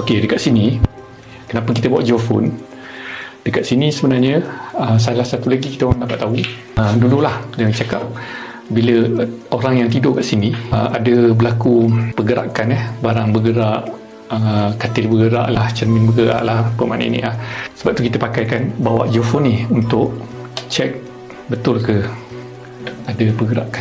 Okey, dekat sini kenapa kita buat geofone? Dekat sini sebenarnya salah satu lagi kita orang dapat tahu, dululah dia cakap bila orang yang tidur kat sini ada berlaku pergerakan, barang bergerak, katil bergerak lah, cermin bergerak lah, apa makna ni sebab tu kita pakaikan bawa geofone ni untuk cek betul ke ada pergerakan.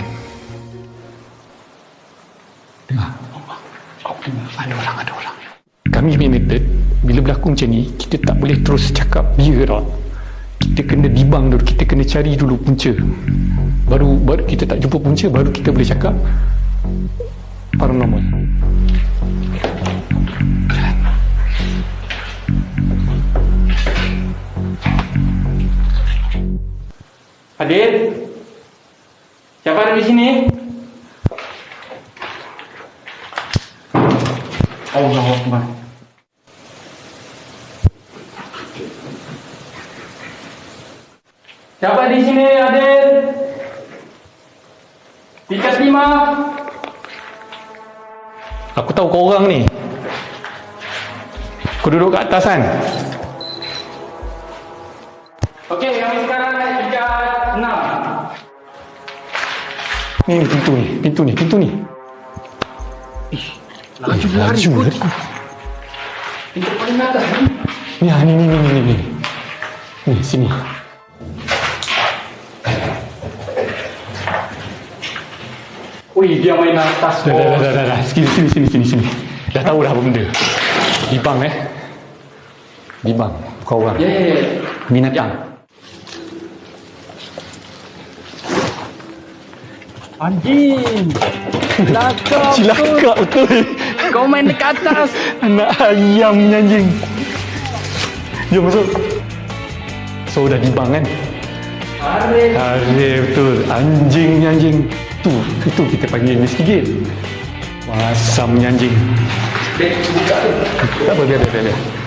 Ada orang. Kami punya method, bila berlaku macam ni, kita tak boleh terus cakap dia ke tak. Kita kena dibang dulu, kita kena cari dulu punca. Baru kita tak jumpa punca, baru kita boleh cakap paranormal. Hadir? Siapa ada di sini? Allahu Akbar. Siapa di sini hadir? Tingkat 5. Aku tahu kau orang ni. Kau duduk kat atas kan? Okey, kami sekarang naik tingkat 6. Ni pintu ni. Laju lari. Tingkat paling atas ni. Ni. Ni, sini. Ui, dia main atas. Dah. Sini. Dah tahu dah apa benda. Dibang Dibang. Kau orang. Ya. Minat yang. Anjing. Cilaka betul. Kau main dekat atas. Anak ayam ni anjing. Jom masuk. So dah dibang kan? Arif betul. Anjing ni anjing. Tu kita panggil investigate. Masam ni anjing. Buka tu. Tak apa, biar.